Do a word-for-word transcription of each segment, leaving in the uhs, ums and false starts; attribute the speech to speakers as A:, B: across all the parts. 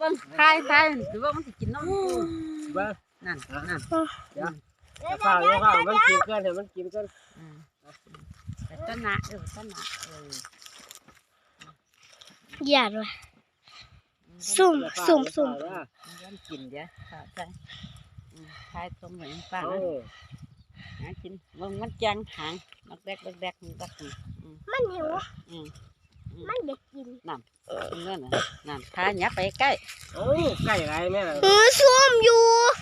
A: บิ้งทายทายถือว่ามันสิกินน้ำปู
B: เบิ้ง
A: นั่นนั่น
B: เดี๋ยวข้าวเดี๋ยวข้าวมันกินกันเดี๋ยวมันกินกัน
A: แต่ต้นหนาเออต้นหนาเออ
C: หยาดว่ะสุ่มสุ่มสุ่ม
A: มันกินเดี๋ยวข้าวใช่ทายตรงไหนป้าหากินมันมันจังหางนักแดกนักแดกนัก
C: มันหิวมันอยากกิน
A: น้ำนั่นน่ะนั่นทายยับไปใกล้
B: โอ้ใกล้ไรแม่
C: เออส้มอยู่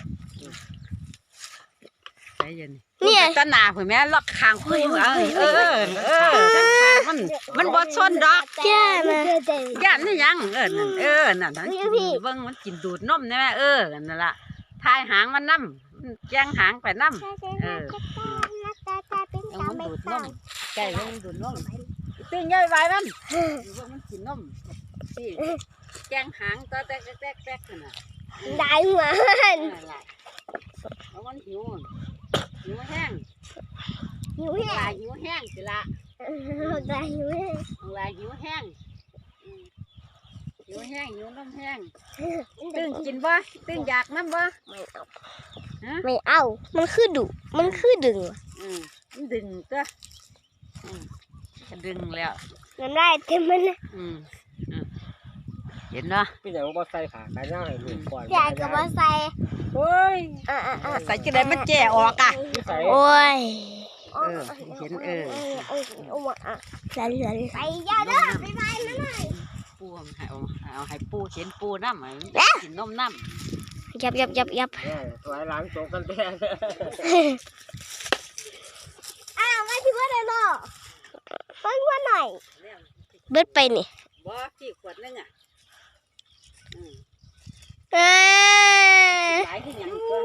A: ใจเย็นเนี่ยต้นหนาเผื่อแม่ล็อกคางคุยเออเออเออมันมันบดชนดอก
C: แก่นะ
A: ย่านนี่ยังเออนั่นเออนั่นทั้งกินเบิ้งมันกินดูดนมนี่แม่เออนั่นละทายหางมันน้ำแจ้งหางไปน้ำเออมันดูดนมไก่มันดูดนมตื่นย่อยไปมันมันกินนมสิแจ้งหางตัวแตกแตกแตกน่ะ
C: ได้หัวมัน
A: แล้วมันหิวหิวแห้ง
C: หิวแห้ง
A: หิวแห้งสิละ
C: ได้หิวแห้ง
A: ลายหิวแห้งหิวแห้งหิวน้ำแห้งตึงกินบ่ตึงอยากน้ำบ่
C: ไม่เอาไม่เอามันคือดุมันคือดึง
A: อืมดึงตัวดึงแล้ว
C: น้ำได้เต็มมันนะ
A: อืมเห็นเนาะ
B: พี่ใหญ่บอกใส่ขาขายย่างให้ลูกก่อน
C: ใหญ่กับว่าใส่
A: โอ้ยใส่จะได้มันแก่ออกอ่ะ
C: โอ้ย
A: เออเห็นเออ
C: โอ้ยโอ้ยอ่ะใส่เลยไปยาเด้อไปไปนั่นเลย
A: ปูให้เอาเอาให้ปูเห็นปูน้ำกินนมน้
C: ำยับยับยับยับ
B: ไว้ล้างโต๊ะกันแท้
C: อ้าวไม่คิดว่าเลยเนาะเพิ่งว่าหน่อยเบิดไปนี่
A: บ่ที่ขวดนึงอ่ะ
C: เอ้
A: หลายที่ยังก็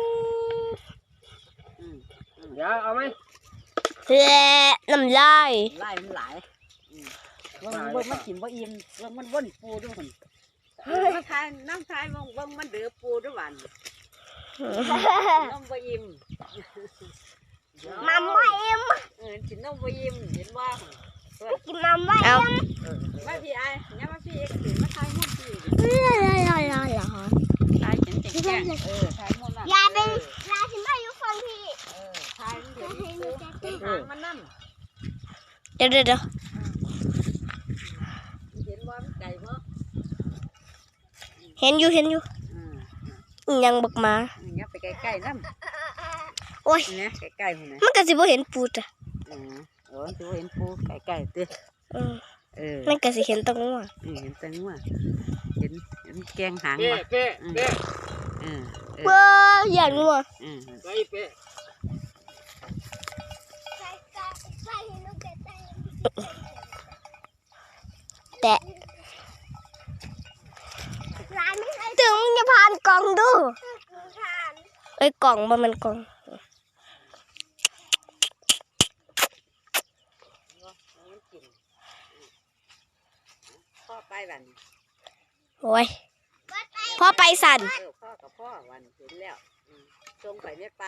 B: เดี๋ยวเอาไหม
C: เฮ้ยน้ำลาย
A: ลายมันหลายมันเบิ่งมันกินบ่อิ่มเบิ่งมันว่นปูด้วยคนน้ำทายน้ำทายเบิ่งเบิ่งมันเดือปูด้วยหวานน้ำบ่อิ่ม
C: น้ำบ่อิ่ม
A: เออกินน้ำบ่อิ่มเห็นว่า
C: กินน้ำบ่อิ่ม
A: มาพี่ไอ้เนี่ยมาพี่เอ็กซ์ตื่นมาทายมุ่นพี่
C: ลอยลอยลอย
A: ทายเห็นแจ้งเออทายมุ่นอ่ะ
C: ยายเป็นยายถึงได้ยุฟังพี่
A: เออทายเห็นหางมันนั่น
C: เดี๋ยวเดี๋ยวเดี๋ยว
A: เห็นว่ามันไก่บ่
C: เห็นอยู่เห็นอยู่ยังบักมา
A: เนี่ยไปใกล้ๆนั่น
C: โอ้ย
A: เนี่ยใกล้ๆมัน
C: มันก็สิบ่เห็นปูจ้ะ
A: อ๋อโอ้สิบ่เห็นปูใกล้ๆเด้อ
C: เออมันก็สิเห็นตรงนู้น
A: เห็นตรงนู้นเห็นเห็นแกงหาง
B: มาเป๊ะเป๊ะ
A: เออ
C: เบ้ออย่างนู้น
B: อืมไปเป๊ะ
C: แต่ถึงมึงจะผ่านกล่องดูเอ้ยกล่องมันมันกล่อง
A: พ่อไปวัน
C: โอ้ยพ่อไปสั่น
A: พ่อกับพ่อวันเห็นแล้วจงไปไม่ไป